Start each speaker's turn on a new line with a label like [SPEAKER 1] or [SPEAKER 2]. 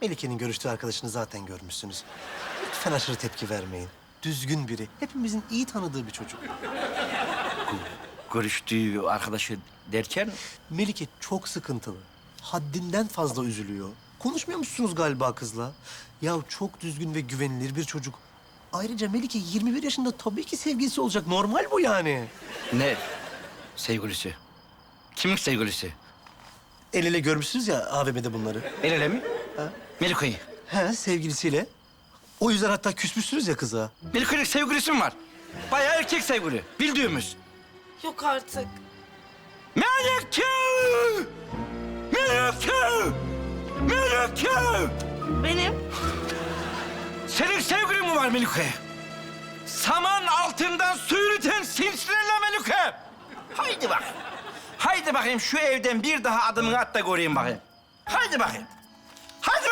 [SPEAKER 1] Melike'nin görüştüğü arkadaşını zaten görmüşsünüz. Lütfen aşırı tepki vermeyin. Düzgün biri. Hepimizin iyi tanıdığı bir çocuk.
[SPEAKER 2] Görüştüğü arkadaşı derken...
[SPEAKER 1] Melike çok sıkıntılı. Haddinden fazla üzülüyor. Konuşmuyor musunuz galiba kızla? Ya çok düzgün ve güvenilir bir çocuk. Ayrıca Melike 21 yaşında, tabii ki sevgilisi olacak. Normal bu yani.
[SPEAKER 2] Ne? Sevgilisi. Kimin sevgilisi?
[SPEAKER 1] El ele görmüşsünüz ya AVM'de bunları.
[SPEAKER 2] El ele mi? Melike'yi.
[SPEAKER 1] He, sevgilisiyle. O yüzden hatta küsmüşsünüz ya kıza.
[SPEAKER 2] Melike'nin sevgilisi mi var? Bayağı erkek sevgili. Bildiğimiz.
[SPEAKER 3] Yok artık.
[SPEAKER 2] Melike! Melike! Melike!
[SPEAKER 3] Benim?
[SPEAKER 2] Senin sevgilin mi var Melike? Saman altından su yürüten sinsilerle Melike! Haydi bak. Haydi bakayım şu evden bir daha adımını at da göreyim bakayım. Haydi bakayım. Haydi